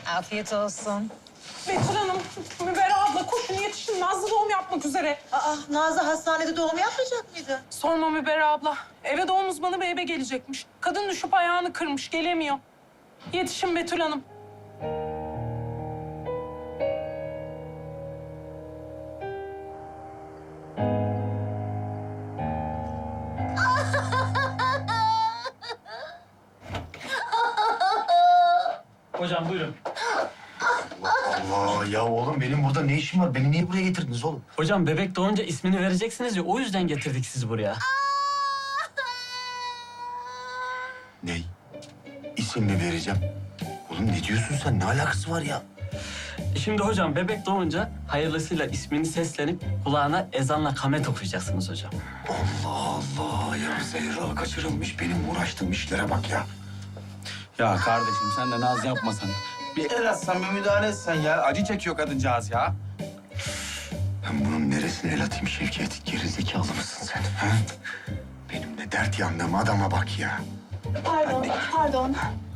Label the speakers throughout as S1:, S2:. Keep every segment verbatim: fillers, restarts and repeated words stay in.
S1: Afiyet olsun.
S2: Betül Hanım, Müberra abla koşun yetişin. Nazlı doğum yapmak üzere.
S3: Aa, Nazlı hastanede doğum yapmayacak mıydı?
S2: Sorma Müberra abla. Eve doğum uzmanı bey eve gelecekmiş. Kadın düşüp ayağını kırmış, gelemiyor. Yetişin Betül Hanım.
S4: Hocam buyurun.
S5: Allah ya oğlum benim burada ne işim var? Beni niye buraya getirdiniz oğlum?
S4: Hocam bebek doğunca ismini vereceksiniz ya o yüzden getirdik sizi buraya.
S5: Ne? İsim mi vereceğim? Oğlum ne diyorsun sen? Ne alakası var ya?
S4: Şimdi hocam bebek doğunca hayırlısıyla ismini seslenip kulağına ezanla kamet okuyacaksınız hocam.
S5: Allah Allah ya Zehra kaçırılmış. Benim uğraştığım işlere bak ya.
S6: Ya kardeşim sen de naz yapmasan. Bir el atsan, bir müdahale etsen ya. Acı çekiyor kadıncağız ya.
S5: Ben bunun neresine el atayım Şevket? Gerizekalı mısın sen? Ha? Benim de dert yandığım adama bak ya.
S7: Pardon, pardon.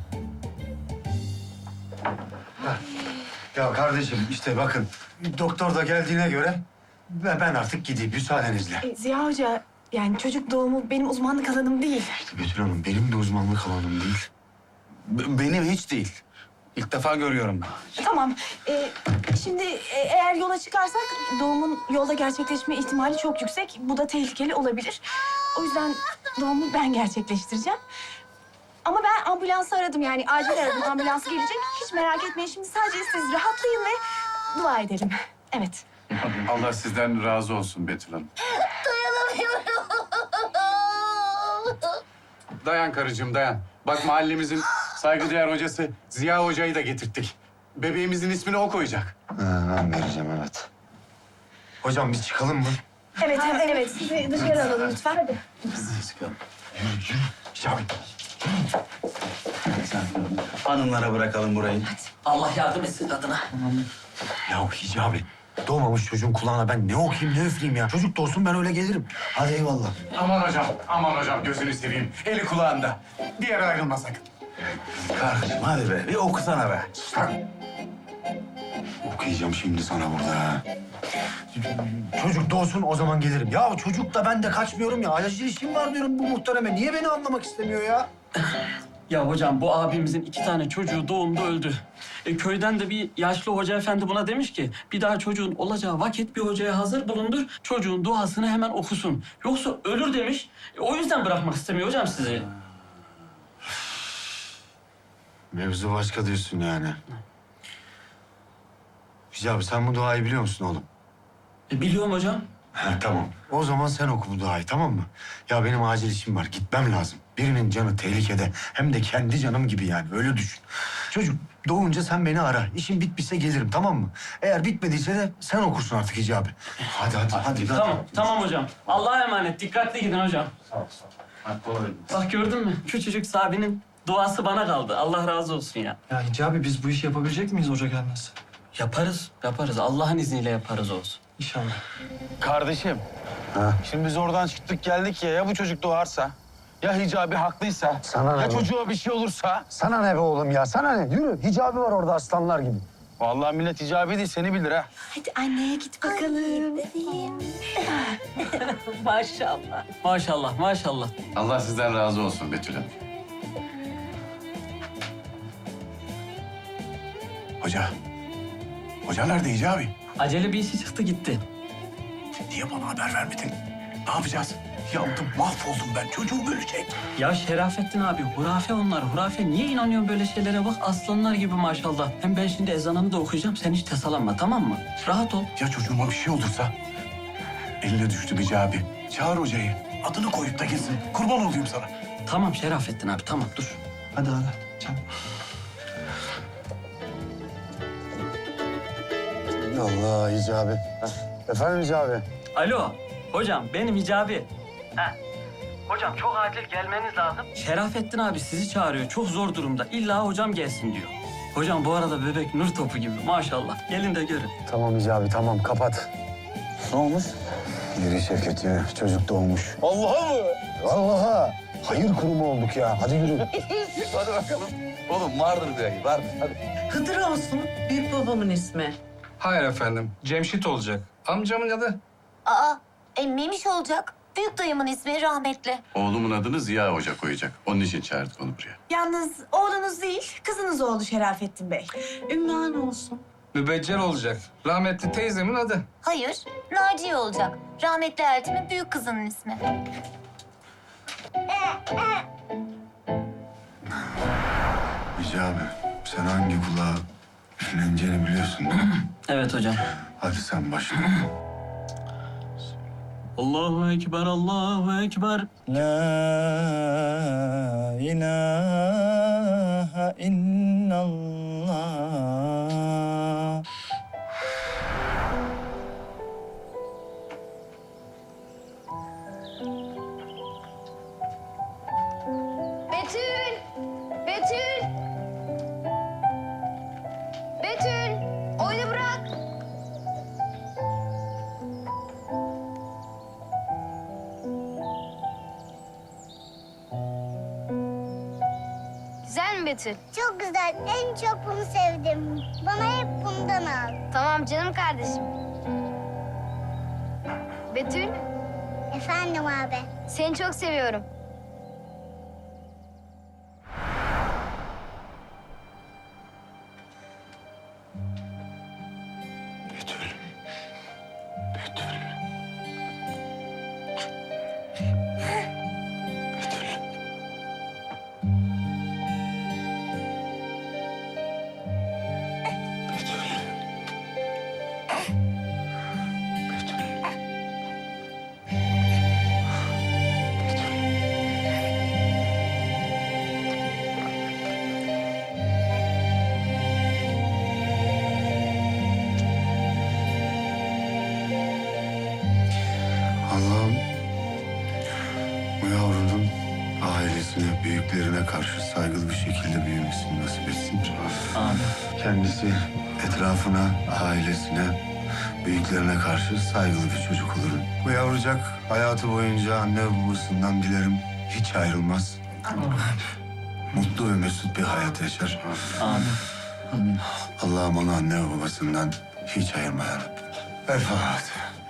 S5: Ya kardeşim işte bakın doktor da geldiğine göre ve ben artık gideyim müsaadenizle.
S7: E, Ziya Hoca, yani çocuk doğumu benim uzmanlık alanım değil.
S5: İşte Betül Hanım benim de uzmanlık alanım değil.
S6: B- benim hiç değil. İlk defa görüyorum ben.
S7: Tamam, e, şimdi e, eğer yola çıkarsak doğumun yolda gerçekleşme ihtimali çok yüksek. Bu da tehlikeli olabilir. O yüzden doğumu ben gerçekleştireceğim. Ama ben ambulansı aradım, yani acil aradım. Ambulans gelecek. Hiç merak etmeyin, şimdi sadece siz rahatlayın ve dua edelim. Evet.
S8: Allah sizden razı olsun Betül Hanım. Dayan karıcığım dayan. Bak mahallemizin saygıdeğer hocası Ziya Hoca'yı da getirttik. Bebeğimizin ismini o koyacak.
S5: Ha, ben vereceğim evet. Hocam biz çıkalım mı?
S7: Evet, evet, evet. Sizi dışarı alalım lütfen. Hadi.
S5: Çıkalım. Yürü yürü. Şahin.
S6: Hanımlara bırakalım burayı.
S4: Allah yardım etsin kadına.
S5: Ya Hicabi doğmamış çocuğun kulağına ben ne okuyayım ne üfleyeyim ya. Çocuk doğsun ben öyle gelirim. Hadi eyvallah.
S8: Aman hocam, aman hocam gözünü seveyim. Eli kulağında. Bir yere ayrılma sakın.
S6: Kardeşim hadi be, bir okusana be.
S5: Okuyacağım şimdi sana burada ha. Çocuk doğsun o zaman gelirim. Ya çocuk da ben de kaçmıyorum ya. Acil işim var diyorum bu muhtereme. Niye beni anlamak istemiyor ya?
S4: Ya hocam bu abimizin iki tane çocuğu doğumda öldü. E, köyden de bir yaşlı hoca efendi buna demiş ki bir daha çocuğun olacağı vakit bir hocaya hazır bulundur. Çocuğun duasını hemen okusun. Yoksa ölür demiş. E, o yüzden bırakmak istemiyor hocam sizi.
S5: Mevzu başka diyorsun yani. Hicabi sen bu duayı biliyor musun oğlum?
S4: E, biliyorum hocam.
S5: Ha, tamam. O zaman sen oku bu duayı tamam mı? Ya benim acil işim var. Gitmem lazım. Birinin canı tehlikede. Hem de kendi canım gibi yani. Öyle düşün. Çocuk doğunca sen beni ara. İşim bitmişse gelirim tamam mı? Eğer bitmediyse de sen okursun artık Hicabi. Hadi hadi hadi.
S4: Tamam,
S5: hadi.
S4: tamam hocam. Allah'a emanet. Dikkatli gidin hocam.
S6: Hadi kolay gelsin.
S4: Bak gördün mü? Küçücük Sabi'nin duası bana kaldı. Allah razı olsun ya.
S9: Ya Hicabi biz bu işi yapabilecek miyiz hoca gelmezse?
S4: Yaparız, yaparız. Allah'ın izniyle yaparız olsun.
S9: İnşallah.
S6: Kardeşim,
S5: Ha?
S6: şimdi biz oradan çıktık geldik ya, ya bu çocuk doğarsa? Ya Hicabi haklıysa?
S5: Sana ne
S6: Ya
S5: bu?
S6: çocuğa bir şey olursa?
S5: Sana ne be oğlum ya? Sana ne? Yürü. Hicabi var orada aslanlar gibi.
S6: Vallahi millet Hicabi değil, seni bilir ha.
S7: Hadi anneye git bakalım.
S2: Maşallah.
S4: Maşallah, maşallah.
S8: Allah sizden razı olsun Betül Hanım.
S5: Hoca. Hoca nerede Hicabi?
S4: Acele bir işi çıktı gitti.
S5: Niye bana haber vermedin? Ne yapacağız? Yandım, mahvoldum ben. Çocuğum ölecek.
S4: Ya Şerafettin abi, hurafe onlar, hurafe. Niye inanıyorsun böyle şeylere? Bak aslanlar gibi maşallah. Hem ben şimdi ezanımı da okuyacağım. Sen hiç tasalanma, tamam mı? Rahat ol.
S5: Ya çocuğuma bir şey olursa? Eline düştü Hicabi. Çağır hocayı. Adını koyup da gitsin. Kurban olayım sana.
S4: Tamam Şerafettin abi, tamam dur.
S9: Hadi hadi. Çabuk.
S5: Allah Hicabi. Efendim Hicabi?
S4: Alo, hocam benim Hicabi. Ha. Hocam çok acil gelmeniz lazım. Şerafettin abi sizi çağırıyor. Çok zor durumda. İlla hocam gelsin diyor. Hocam bu arada bebek nur topu gibi maşallah. Gelin de görün.
S5: Tamam Hicabi tamam kapat.
S6: Ne olmuş?
S5: Yürü Şevket yürü. Çocuk doğmuş.
S6: Allah'a mı?
S5: Vallahi hayır kurumu olduk ya. Hadi yürü.
S6: Hadi bakalım. Oğlum vardır bir ayı, vardır. Hadi.
S3: Hıdır olsun. Büyük babamın ismi.
S1: Hayır efendim. Cemşit olacak. Amcamın adı.
S10: Aa, emmiymiş olacak. Büyük dayımın ismi rahmetli.
S8: Oğlumun adını Ziya Hoca koyacak. Onun için çağırdık onu buraya.
S7: Yalnız oğlunuz değil, kızınız oldu Şerafettin Bey.
S3: Ünvan olsun.
S1: Mübeccel olacak. Rahmetli teyzemin adı.
S10: Hayır, Naciye olacak. Rahmetli Ertem'in büyük kızının ismi.
S5: Hicabi, sen hangi kulağa üfleneceğini biliyorsun değil mi?
S4: Evet hocam.
S5: Hadi sen başla.
S4: Allahu Ekber, Allahu Ekber.
S9: La ilahe illallah.
S10: Betül! Betül! Betül! Oyunu bırak! Güzel mi Betül?
S11: Çok güzel. En çok bunu sevdim. Bana hep bundan al.
S10: Tamam canım kardeşim. Betül,
S11: Efendim abi.
S10: seni çok seviyorum.
S5: Betül. Betül. Betül. Betül. Betül. Allah'ım bu yavrunun ailesine, büyüklerine karşı saygılı bir şekilde büyümesini nasip etsin.
S4: Amin.
S5: Kendisi etrafına, ailesine, büyüklerine karşı saygılı bir çocuk olur. Bu yavrucak hayatı boyunca anne ve babasından dilerim hiç ayrılmaz. Mutlu ve mesut bir hayat yaşar.
S4: Amin.
S5: Allah'ım onu anne ve babasından hiç ayırma ya Rabbi. El Fatiha.